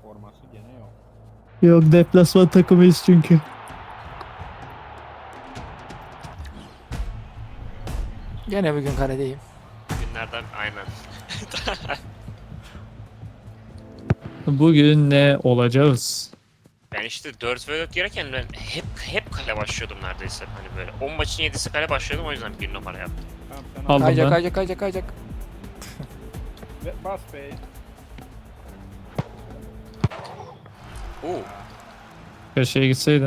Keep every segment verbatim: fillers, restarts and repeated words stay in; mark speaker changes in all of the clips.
Speaker 1: Forması gene yok.
Speaker 2: Yok, deplasman takımıyız çünkü.
Speaker 3: Gene bugün kaledeyim.
Speaker 4: Günlerden aynen.
Speaker 2: Bugün ne olacağız?
Speaker 4: Ben işte dört ve dört girerken ben hep hep kale başlıyordum neredeyse. Hani böyle on maçın yedisi kale başlıyordum, o yüzden bir numara yaptım.
Speaker 1: Tamam sen
Speaker 2: Aldım
Speaker 1: al.
Speaker 3: Kayacak
Speaker 2: ben.
Speaker 3: kayacak kayacak kayacak.
Speaker 1: Ve bas be.
Speaker 4: Oo.
Speaker 2: Köşeye gitseydi.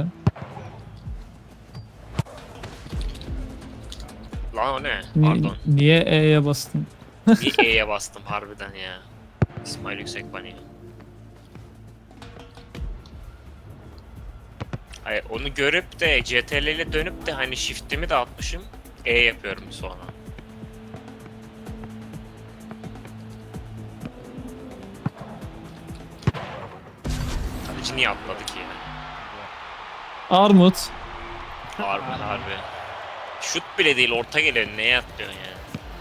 Speaker 4: Lan o ne?
Speaker 2: Ni-
Speaker 4: Pardon.
Speaker 2: niye E'ye bastın?
Speaker 4: Niye E'ye bastım harbiden ya. İsmail Yüksekbani. Hayır, onu görüp de C T R L ile dönüp de hani shift'imi de atmışım. E yapıyorum sonra. Kaleci niye atladı ki ya?
Speaker 2: Armut.
Speaker 4: Harbi harbi. Şut bile değil, orta geliyor. Neye atlıyorsun ya?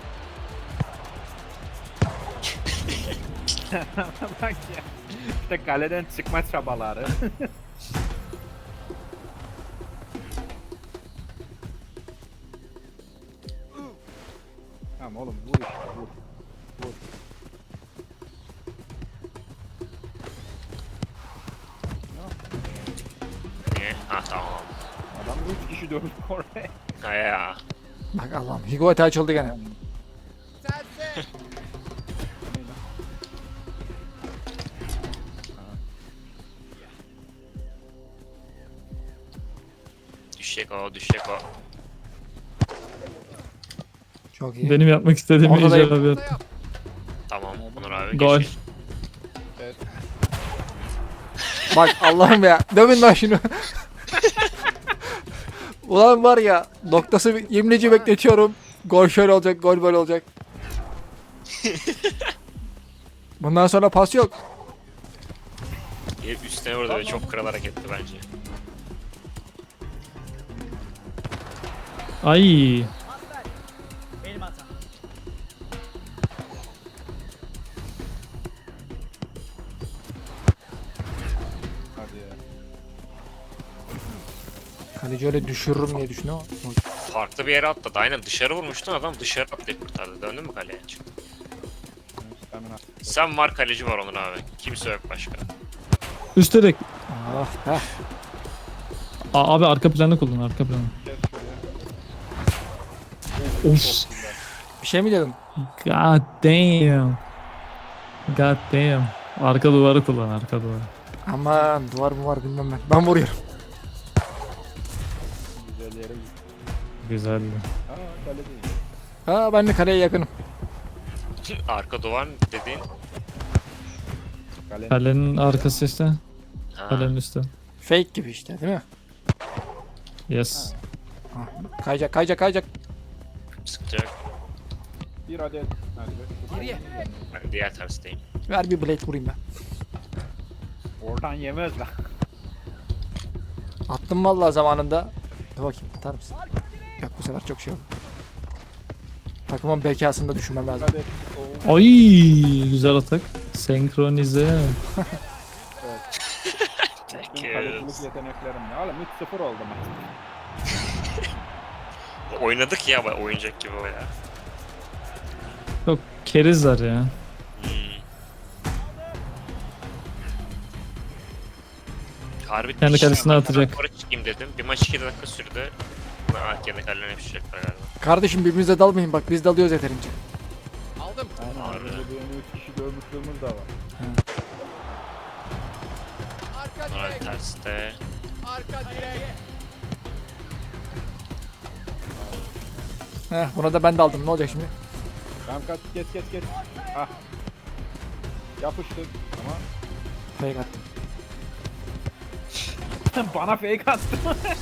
Speaker 1: Bak ya. İşte kaleden çıkma çabaları. Tamam oğlum vur işte vur. Vur.
Speaker 4: Niye? Ha tamam.
Speaker 1: Adam üç kişi dövdü oraya.
Speaker 4: Ha ya.
Speaker 3: Bak Allah'ım. Higuaita açıldı gene.
Speaker 4: Düşecek o, düşecek o.
Speaker 3: Çok iyi.
Speaker 2: Benim yapmak istediğim
Speaker 3: Ortadayım.
Speaker 2: icabı yaptı.
Speaker 4: Tamam Onur abi
Speaker 2: Gol.
Speaker 4: geç.
Speaker 1: Evet.
Speaker 3: Bak Allah'ım ya. Dövün lan şunu. Ulan var ya. Noktası yemleci bekletiyorum. Gol şöyle olacak. Gol böyle olacak. Bundan sonra pas yok.
Speaker 4: Gelip üstüne vurdu ve çok kral hareketti bence.
Speaker 2: Ay.
Speaker 1: Hadi ya.
Speaker 3: Kaleci öyle düşürürüm diye düşünüyor.
Speaker 4: Farklı bir yere atladı. Aynen dışarı vurmuştun, adam dışarı atlayıp kurtardı. Döndün mü kaleye?
Speaker 1: Stamina.
Speaker 4: Sen var, kaleci var Onur abi. Kimse yok başka.
Speaker 2: Üst direk.
Speaker 3: Ah, heh.
Speaker 2: Aa, abi arka planı kullan, arka planı.
Speaker 1: Kes şuraya.
Speaker 2: Of.
Speaker 3: Bir şey mi dedim?
Speaker 2: God damn. God damn. Arka duvarı kullan, arka duvarı.
Speaker 3: Aman duvar mı var bilmem ben. Ben vuruyorum.
Speaker 1: Güzel yere git.
Speaker 2: Güzeldi.
Speaker 1: Aa kale değil.
Speaker 3: Ha ben de kaleye yakınım.
Speaker 4: Arka duvar dediğin.
Speaker 1: Kalenin
Speaker 2: Kalenin arkası işte.
Speaker 4: Ha.
Speaker 2: Kalenin üstü.
Speaker 3: Fake gibi işte değil mi?
Speaker 2: Yes.
Speaker 3: Ah, kayacak kayacak kayacak.
Speaker 4: Sıkıntı yok.
Speaker 1: bir adet. Hadi be.
Speaker 3: Geriye.
Speaker 4: Ben diğer tersteyim.
Speaker 3: Ver bir blade vurayım ben.
Speaker 1: Oradan yemez lan.
Speaker 3: Attım vallahi zamanında. Dur bakayım atar mısın? Yok bu sefer çok şey oldu. Takımın bekasını da düşünmem lazım.
Speaker 1: Adet. Oo.
Speaker 2: Ay, güzel atak. Senkronize.
Speaker 1: Tüm kalecilik yeteneklerim ya. Oğlum üç sıfır oldu maç.
Speaker 4: Oynadık ya, oyuncak gibi o ya.
Speaker 2: Çok kerizler ya.
Speaker 4: Hmm. Harbi
Speaker 2: Kendi
Speaker 4: diş-
Speaker 2: kalesine
Speaker 4: ben
Speaker 2: atacak.
Speaker 4: Sonra çıkayım dedim. Bir maç iki dakika sürdü. Ha, kendi kalene yapışacaklar galiba.
Speaker 3: Kardeşim birbirimize dalmayın bak biz dalıyoruz yeterince.
Speaker 1: Aynen.
Speaker 4: Harbi.
Speaker 1: Harbi. Benim üç kişi dövmüşlüğümüz de var.
Speaker 4: Sonra terste.
Speaker 3: Heh buna da ben daldım ne olacak şimdi?
Speaker 1: Tamam kaç geç geç geç. Ah. Yapıştık ama
Speaker 3: Fake attım.
Speaker 1: bana fake attı.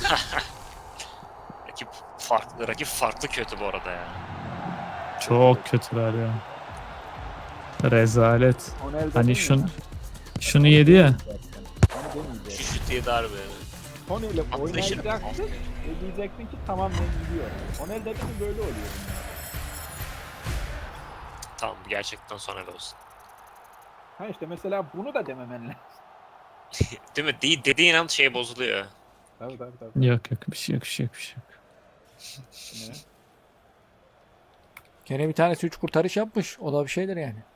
Speaker 4: Rakip farklı, rakip farklı kötü bu arada ya.
Speaker 2: Çok kötüler ya. Rezalet. Hani şun, şunu yedi ya.
Speaker 1: Onu demeyeceğim.
Speaker 4: Şu şut diye darbe.
Speaker 1: Tony ile
Speaker 4: Atlayışını-
Speaker 1: oynayacaksın. E diyeceksin ki tamam ben gidiyorum. Onel dedi mi böyle oluyor. bunlar.
Speaker 4: Tamam, gerçekten sonra da olsun.
Speaker 1: Ha işte mesela bunu da dememen lazım.
Speaker 4: Değil mi? De- dediğin an şey bozuluyor.
Speaker 1: Tabii tabii tabii.
Speaker 2: Yok yok bir şey yok bir şey yok bir şey yok.
Speaker 1: Ne?
Speaker 3: Gene bir tanesi üç kurtarış yapmış. O da bir şeydir yani.